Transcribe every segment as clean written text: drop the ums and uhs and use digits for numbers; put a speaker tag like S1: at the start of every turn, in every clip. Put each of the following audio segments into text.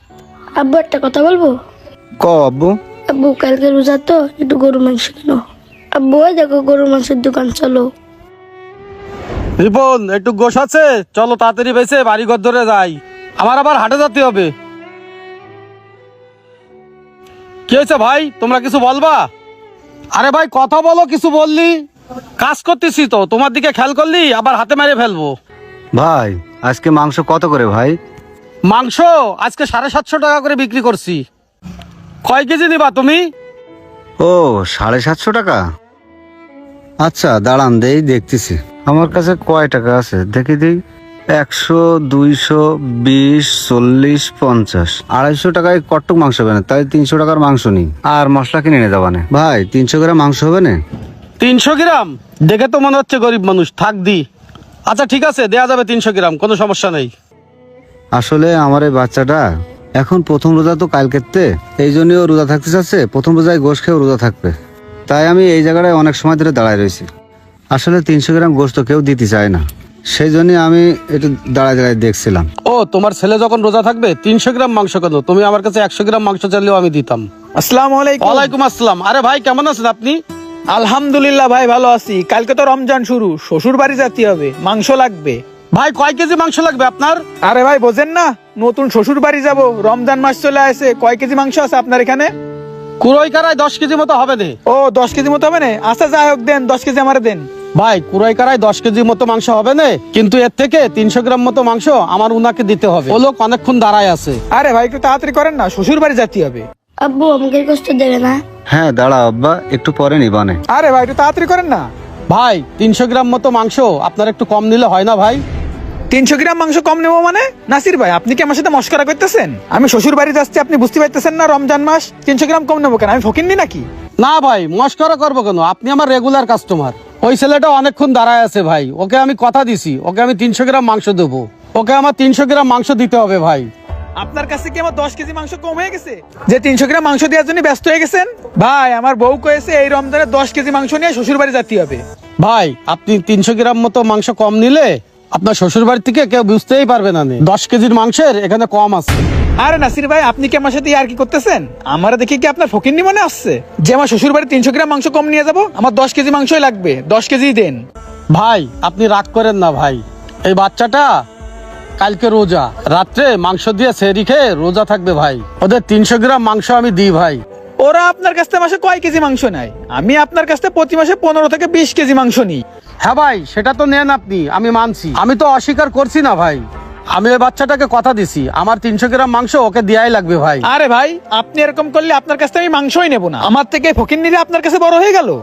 S1: আব্বু একটা কথা বলবো?
S2: ক আব্বু।
S1: আব্বু কালকে রোজা তো, একটু গরু মাংস কিনো। আব্বু ওই দেখো গরু মাংসের দোকান, চলো।
S3: রিপন একটু গোশ আছে, চলো তাড়াতাড়ি বেঁচে বাড়ি ঘর ধরে যাই, আমার আবার হাটে যেতে হবে। কি হয়েছে ভাই, তোমরা কিছু বলবা? আরে ভাই কথা বলো, কিছু বললি? কাজ করতেছি তো, তোমার দিকে খেয়াল করলি আবার হাতে মেরে ফেলবো।
S2: ভাই আজকে মাংস কত করে ভাই?
S3: মাংস আজকে 750 টাকা করে বিক্রি করছি। কয় কেজি নিবা তুমি?
S2: ও 750 টাকা। আচ্ছা দাঁড়ান দেই, দেখতেছি আমার কাছে কয় টাকা আছে দেখি দিই। 100, 200, 20, 40, 50, 250 টাকায় কট্টক মাংস হবে না, তাই 300 টাকার মাংস নিই আর মশলা কিনে নিয়ে যাবানে। ভাই 300 গ্রাম মাংস হবে না?
S3: 300 গ্রাম দেখে তো মনে হচ্ছে গরিব মানুষ, থাক দি। আচ্ছা ঠিক আছে, দেয়া যাবে 300 গ্রাম, কোনো সমস্যা নেই।
S2: আসলে আমার এই বাচ্চাটা এখন প্রথম রোজা তো কালকেতে, এই জন্যই ও রোজা থাকতে চাচ্ছে, প্রথম রোজায় গোশ খেয়েও রোজা থাকবে, তাই আমি এই জায়গাটায় অনেক সময় ধরে দাঁড়ায় রয়েছি। আসলে 300 গ্রাম গোশ তো কেউ দিতে চায় না, সেই জন্য আমি একটু দাঁড়ায় দাঁড়ায় দেখছিলাম।
S3: ও তোমার ছেলে যখন রোজা থাকবে 300 গ্রাম মাংস কেন? তুমি আমার কাছে 100 গ্রাম মাংস চাইলেও আমি দিতাম।
S4: আসসালামু আলাইকুম।
S3: ওয়ালাইকুম আসসালাম। আরে ভাই কেমন আছেন আপনি?
S4: আলহামদুলিল্লাহ ভাই ভালো আছি। কালকে তো রমজান শুরু, শ্বশুর বাড়ি যেতে হবে, মাংস লাগবে।
S3: ভাই কয় কেজি মাংস লাগবে আপনার?
S4: আরে ভাই বোঝেন না, নতুন শ্বশুর বাড়ি যাব, রমজান মাস চলে আসে। কয় কেজি মাংস আছে আপনার এখানে?
S3: কুড়াই কারায় 10 কেজি মতো হবে না।
S4: ও 10 কেজি মতো হবে না? আচ্ছা যাই হোক, দেন 10 কেজি আমারে দেন।
S3: ভাই কুড়াই কারায় 10 কেজি মতো মাংস হবে না, কিন্তু এর থেকে 300 গ্রাম মতো মাংস আমার উনাকে দিতে হবে। ও লোক অনেকক্ষণ দাঁড়ায় আছে।
S4: আরে ভাই একটু তাড়াতাড়ি করেন না, শ্বশুর বাড়ি যেতে হবে।
S1: আব্বু আমাকে কষ্ট দেবে না?
S2: হ্যাঁ দাঁড়া আব্বা, একটু পরে নিবানে।
S4: আরে ভাই একটু তাড়াতাড়ি করেন না।
S3: ভাই 300 গ্রাম মতো মাংস আপনার একটু কম নিলে হয় না ভাই?
S4: 300 গ্রাম মাংস কম নেবো মানে? নাসির ভাই আপনি কি আমার সাথে মস্করা করতেছেন? আমি শ্বশুর বাড়ি যাচ্ছি, আপনি বুঝতে পারতেছেন না রমজান মাস? 300 গ্রাম কম নেবো কেন? আমি ফকিন্নি নাকি?
S3: না ভাই মস্করা করবো কেন, আপনি আমার রেগুলার কাস্টমার। ওই ছেলেটা অনেকক্ষণ দাঁড়ায় আছে ভাই, ওকে আমি কথা দিছি, ওকে আমি 300 গ্রাম মাংস দেবো। ওকে আমার 300 গ্রাম মাংস দিতে হবে ভাই।
S4: আপনার কাছে কি আমার 10 কেজি মাংস কম হয়ে গেছে যে 300 গ্রাম মাংস দেওয়ার জন্য ব্যস্ত হয়ে গেছেন? ভাই আমার বউ কয়েছে এই রমজানে 10 কেজি মাংস নিয়ে শ্বশুর বাড়ি যেতে হবে।
S3: ভাই আপনি 300 গ্রাম মতো মাংস কম নিলে আপনার শ্বশুর বাড়ি থেকে কেউ বুঝতেই পারবে না। 10 কেজির মাংসের এখানে কম আছে।
S4: আরে নাসির ভাই আপনি কি আমার সাথে আর কি করতেছেন? আমার দেখি কি আপনার ফকিন্নি মনে আসছে যে আমার শ্বশুর বাড়ি 300 গ্রাম মাংস কম নিয়ে যাব? আমার 10 কেজি মাংসই লাগবে, 10 কেজি দেন।
S3: ভাই আপনি রাগ করেন না ভাই, এই বাচ্চাটা কালকে রোজা, রাত্রে মাংস দিয়ে সেহরি খেয়ে রোজা থাকবে ভাই, ওদের 300 গ্রাম মাংস আমি দিই ভাই।
S4: ওরা আপনার কাছ থেকে মাসে কয় কেজি মাংস নেয়? আমি আপনার কাছ থেকে প্রতি মাসে 15 থেকে 20 কেজি মাংস নিই।
S3: হ্যাঁ ভাই সেটা তো নেন আপনি, আমি মানছি, আমি তো অস্বীকার করছি না ভাই। আমি ওই বাচ্চাটাকে কথা দিছি আমার 300 গ্রাম মাংস ওকে দেয়াই লাগবে ভাই।
S4: আরে ভাই আপনি এরকম করলে আপনার কাছ থেকে আমি মাংসই নেব না। আমার থেকে ফকিন্নিরা আপনার কাছে বড় হয়ে গেল।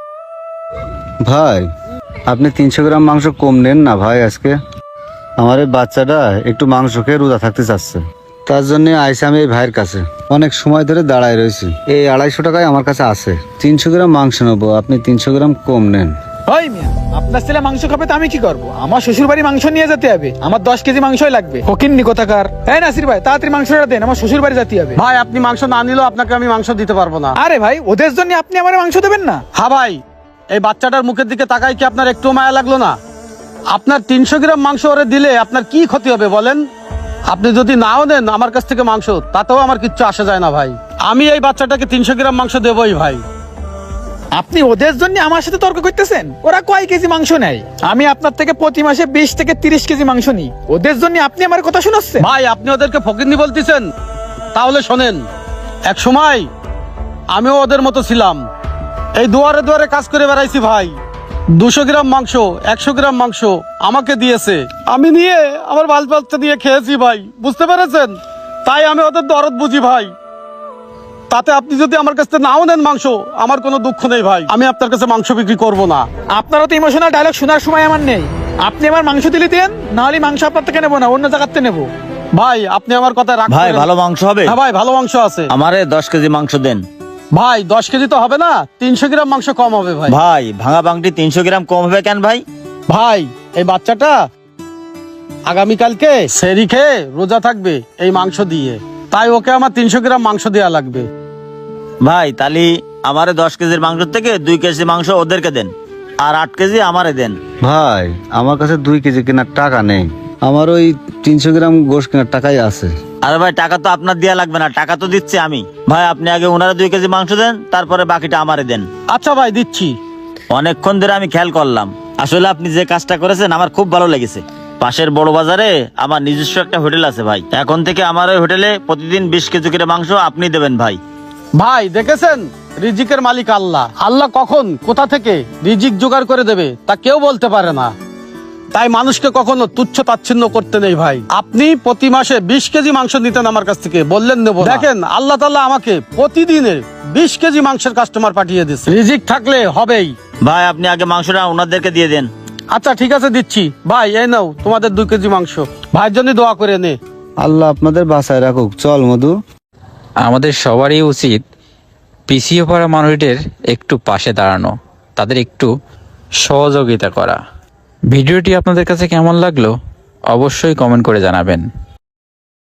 S2: ভাই আপনি 300 গ্রাম মাংস কম নেন না ভাই। আজকে আমার এই বাচ্চাটা একটু মাংস খেয়ে রোজা থাকতে চাচ্ছে, তার জন্য আইসি আমি এই ভাইয়ের কাছে। অনেক সময় ধরে দাঁড়ায় রয়েছি, এই 250 টাকায় আমার কাছে আছে। 300 গ্রাম মাংস নেবো, আপনি 300 গ্রাম কম নেন।
S4: ওই মিয়া আপনার ছেলে মাংস খাবে তো আমি কি করবো? আমার শ্বশুর বাড়ি মাংস নিয়ে যেতে হবে, আমার 10 কেজি মাংসই লাগবে। ফকিন্নি কোথাকার। এই নাসির ভাই তাড়াতাড়ি মাংসটা দেন, আমার শ্বশুর বাড়ি যেতে হবে।
S3: ভাই আপনি মাংস না নিলেও আপনাকে আমি মাংস দিতে পারবো না।
S4: আরে ভাই ওদের জন্য আপনি আমার মাংস দেবেন না?
S3: হ্যাঁ ভাই, এই বাচ্চাটার মুখের দিকে তাকাই কি আপনার একটু মায়া লাগলো না? আপনার 300 গ্রাম মাংস ওরে দিলে আপনার কি ক্ষতি হবে বলেন? আপনি যদি নাও নেন আমার কাছ থেকে মাংস, তাতেও আমার কিচ্ছু আসে যায় না ভাই। আমি এই বাচ্চাটাকে 300 গ্রাম মাংস দেবই ভাই।
S4: আপনি ওদের জন্য আমার সাথে তর্ক করতেছেন? ওরা কয় কেজি মাংস নেয়? আমি আপনার থেকে প্রতি মাসে 20 থেকে 30 কেজি মাংস নিই, ওদের জন্য আপনি আমার কথা শোনাচ্ছেন?
S3: ভাই আপনি ওদেরকে ফকিন্নি বলতেছেন? তাহলে শোনেন, এক সময় আমিও ওদের মতো ছিলাম, এই দুয়ারে দুয়ারে কাজ করে বেড়াইছি ভাই। 200 গ্রাম মাংস, 100 গ্রাম মাংস আমাকে দিয়েছে, আমি নিয়ে আমার বাল বাচ্চা নিয়ে খেয়েছি ভাই, বুঝতে পেরেছেন? তাই আমি ওদের দরদ বুঝি ভাই। তাতে আপনি যদি আমার কাছে নাও নেন মাংস, আমার কোনো দুঃখ নেই ভাই, আমি আপনার কাছে মাংস বিক্রি করব না।
S4: আপনারও তো ইমোশনাল ডায়লগ শোনার সময় আমার নেই। আপনি আমার মাংস দিলে দেন, নাহলে মাংস আপনার থেকে নেবো না, অন্য জায়গাতে নেবো।
S3: ভাই আপনি আমার কথা রাখ।
S5: ভাই ভালো মাংস হবে?
S3: হ্যাঁ ভাই ভালো মাংস আছে।
S5: আমারে 10 কেজি মাংস দেন।
S3: ভাই 10 কেজি তো হবে না, 300 গ্রাম মাংস কম হবে ভাই।
S5: ভাই ভাঙা বাংটি 300 গ্রাম কম হবে কেন ভাই?
S3: ভাই এই বাচ্চাটা আগামীকালকে সেহরি খেয়ে রোজা থাকবে এই মাংস দিয়ে, তাই ওকে আমার 300 গ্রাম মাংস দেওয়া লাগবে।
S5: ভাই তালি আমারে 10 কেজির মাংস থেকে 2 কেজি মাংস ওদেরকে দেন, আর 8 কেজি আমারে দেন।
S2: ভাই আমার কাছে 2 কেজি কেনার টাকা নেই, আমার ওই 300 গ্রাম গোশ কেনার টাকাই আছে।
S5: আরে ভাই টাকা তো আপনার দেয়া লাগবে না, টাকা তো দিচ্ছি আমি। ভাই আপনি আগে ওনারা 2 কেজি মাংস দেন, তারপরে বাকিটা আমারে দেন।
S3: আচ্ছা ভাই, দিচ্ছি।
S5: অনেকক্ষণ ধরে আমি খেয়াল করলাম, আসলে আপনি যে কাজটা করেছেন আমার খুব ভালো লেগেছে। পাশের বড় বাজারে আমার নিজস্ব একটা হোটেল আছে ভাই, এখন থেকে আমার ওই হোটেলে প্রতিদিন 20 কেজি করে মাংস আপনি দেবেন ভাই।
S3: ভাই দেখেছেন, রিজিকের মালিক আল্লাহ। আল্লাহ কখন কোথা থেকে রিজিক জোগাড় করে দেবে তা কেউ বলতে পারে না। তাই মানুষকে কখনো তুচ্ছ তাচ্ছিন্ন করতে নেই ভাই। আপনি প্রতি মাসে 20 কেজি মাংস নিতেন আমার কাছ থেকে, বললেন নেব না। দেখেন আল্লাহ তাআলা আমাকে প্রতিদিনের 20 কেজি মাংসের কাস্টমার পাঠিয়ে দিচ্ছে। রিজিক থাকলে হবেই।
S5: ভাই আপনি আগে মাংসটা ওনাদেরকে দিয়ে দেন।
S3: আচ্ছা ঠিক আছে, দিচ্ছি। ভাই এই নাও তোমাদের 2 কেজি মাংস, ভাইয়ের জন্য দোয়া করে নে।
S2: আল্লাহ আপনাদের বাঁচায় রাখুক। চল মধু।
S6: আমাদের সবারই উচিত পিছিয়ে পড়া মানুষদের একটু পাশে দাঁড়ানো, তাদের একটু সহযোগিতা করা। ভিডিওটি আপনাদের কাছে কেমন লাগলো অবশ্যই কমেন্ট করে জানাবেন।